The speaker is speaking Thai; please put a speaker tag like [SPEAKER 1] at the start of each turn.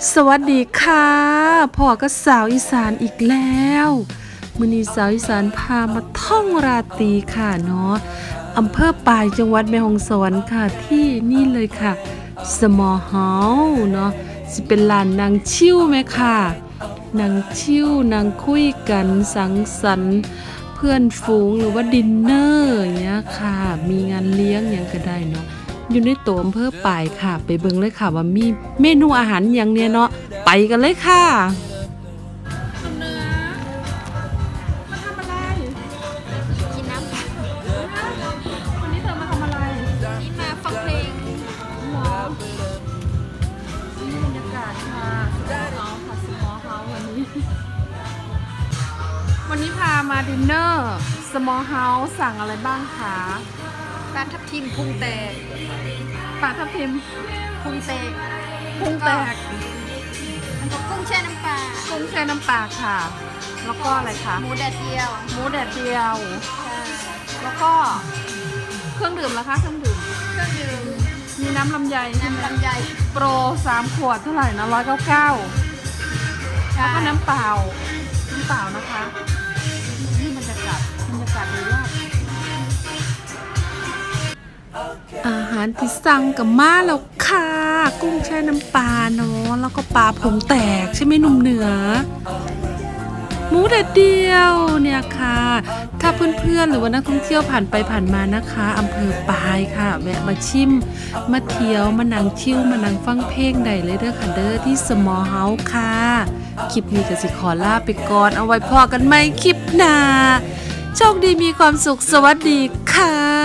[SPEAKER 1] สวัสดีค่ะพ่อก็สาวอีสานอีกแล้วมื้อนี้สาวอีสานพามาท่องราตรีค่ะเนาะอำเภอปายจังหวัดแม่ฮ่องสอนค่ะที่นี่เลยค่ะ Small House เนาะสิเป็นลานนางชิวไหมค่ะนางชิวนางคุยกันสังสรรค์เพื่อนฝูงหรือว่าดินเนอร์อย่างเงี้ยค่ะมีงานเลี้ยงอย่างก็ได้เนาะอยู่ในตัวอำเภอปายค่ะไปเบิ่งเลยค่ะว่ามีเมนูอาหารอย่างเนี้ยเนาะไปกันเลยค่ะเนื้อมาทำอะไร
[SPEAKER 2] กินน้ำ
[SPEAKER 1] วันนี้เธอมาทำอะไร
[SPEAKER 2] นี่มาฟังเพลง
[SPEAKER 1] หมอนี่บรรยากาศค่ะสมอเฮาค่ะวันนี้พามาดินเนอร์ Small House สั่งอะไรบ้างคะ
[SPEAKER 2] ปลาทับทิมพุงแตก
[SPEAKER 1] ปลาทับทิม
[SPEAKER 2] พุงแตก
[SPEAKER 1] พุงแตก
[SPEAKER 2] แล้วก็กุ้งแช่น้ำปลา
[SPEAKER 1] กุ้งแช่น้ำปลาค่ะ แล้วก็อะไรคะ
[SPEAKER 2] หมูแดดเดียว
[SPEAKER 1] หมูแดดเดียว
[SPEAKER 2] ใช่
[SPEAKER 1] แล้วก็เครื่องดื่มล่ะคะเครื่องดื่ม
[SPEAKER 2] เครื่องดื่ม
[SPEAKER 1] มีน้ำลำไยใช่ไหม
[SPEAKER 2] น้ำลำไย
[SPEAKER 1] โปร3 ขวดเท่าไหร่นะ199แล้วก็น้ำเปล่านะคะนี่บรรยากาศดีมากอาหารที่สั่งกับมาแล้วค่ะ กุ้งแช่น้ำปลาเนาะแล้วก็ปลาผงแตกใช่ไหมหนุ่มเหนือหมูแดดเดียวเนี่ยค่ะถ้าเพื่อนๆหรือว่านักท่องเที่ยวผ่านไปผ่านมานะคะอำเภอปายค่ะแวะมาชิมมาเที่ยวมานั่งชิลมานั่งฟังเพลงได้เลยเด้อค่ะเด้อที่ Small House ค่ะคลิปนี้ก็สิขอลาไปก่อนเอาไว้พอกันใหม่คลิปหน้าโชคดีมีความสุขสวัสดีค่ะ